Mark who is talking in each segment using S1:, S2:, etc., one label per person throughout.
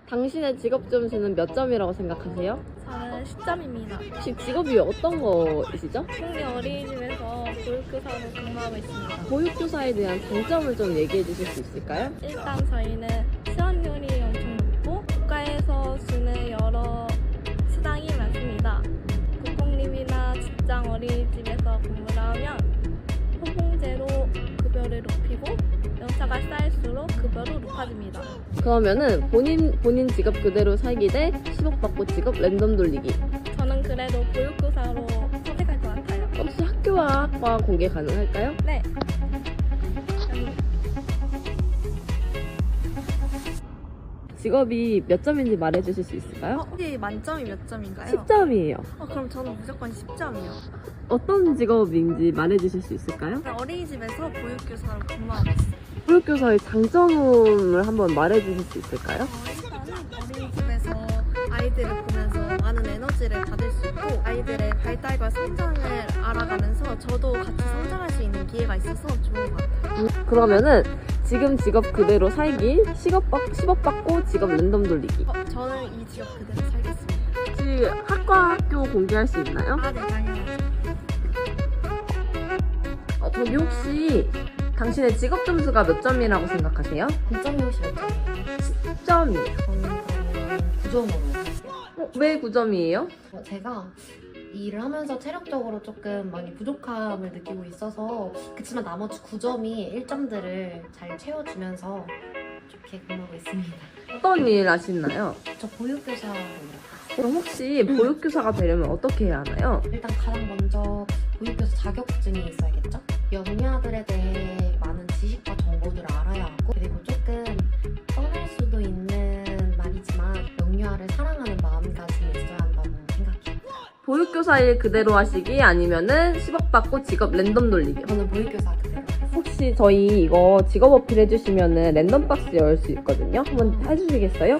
S1: 당신의 직업 점수는 몇 점이라고 생각하세요?
S2: 저는 10점입니다.
S1: 혹시 직업이 어떤 거이시죠?
S2: 국내 어린이집에서 보육교사로 근무하고 있습니다.
S1: 보육교사에 대한 장점을 좀 얘기해 주실 수 있을까요?
S2: 일단 저희는 수업률이 엄청 높고 국가에서 주는 여러 수당이 많습니다. 국공립이나 직장 어린이집에서 근무를 하면 호봉제로 급여를 높이고 연차가 쌓일수록 급여도 높아집니다.
S1: 그러면은 본인 직업 그대로 살기 대 10억 받고 직업 랜덤 돌리기.
S2: 저는 그래도 보육교사로 선택할 것 같아요.
S1: 혹시 학교와 학과 공개 가능할까요?
S2: 네.
S1: 직업이 몇 점인지 말해 주실 수 있을까요?
S2: 혹시 만점이 몇 점인가요?
S1: 10점이에요.
S2: 그럼 저는 무조건 10점이요.
S1: 어떤 직업인지 말해 주실 수 있을까요?
S2: 어린이집에서 보육교사로 근무하고 있어요.
S1: 보육교사의 장점을 한번 말해 주실 수 있을까요?
S2: 일단은 어린이집에서 아이들을 보면서 많은 에너지를 받을 수 있고 아이들의 발달과 성장을 알아가면서 저도 같이 성장할 수 있는 기회가 있어서 좋은 것 같아요.
S1: 그러면은 지금 직업 그대로 살기, 10억 받고 직업 랜덤 돌리기.
S2: 저는 이 직업 그대로 살겠습니다.
S1: 혹시 학과 학교 공개할 수 있나요?
S2: 네, 당연하죠.
S1: 저기 혹시 당신의 직업 점수가 몇 점이라고 생각하세요?
S3: 9점이 혹시 몇 점이에요?
S1: 10점이에요.
S3: 저는 9점으로 할게요.
S1: 왜 9점이에요?
S3: 제가 이 일을 하면서 체력적으로 조금 많이 부족함을 느끼고 있어서 그치만 나머지 9점이 1점들을 잘 채워주면서 좋게 근무하고 있습니다.
S1: 어떤 일 하시나요?
S3: 저 보육교사로 일해요.
S1: 그럼 혹시 보육교사가 되려면 어떻게 해야 하나요?
S3: 일단 가장 먼저 보육교사 자격증이 있어야겠죠? 영유아들에 대해 많은 지식과 정보들을 알아야 하고 그리고 조금 뻔할 수도 있는 말이지만 영유아를 사랑하는 마음가짐이 있어야 한다고 생각해요.
S1: 보육교사 일 그대로 하시기 아니면은 10억 받고 직업 랜덤 돌리기.
S3: 저는 보육교사 그대로 하겠습니다.
S1: 혹시 저희 이거 직업 어필 해주시면은 랜덤 박스 열 수 있거든요. 한번 해주시겠어요?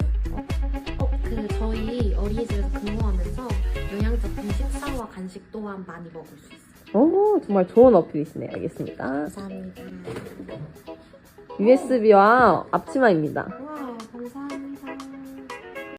S3: 저희 어린이집에서 근무하면서 영양제품 식사와 간식 또한 많이 먹을 수 있어요.
S1: 오, 정말 좋은 어필이시네요. 알겠습니다.
S3: 감사합니다.
S1: USB와 앞치마입니다.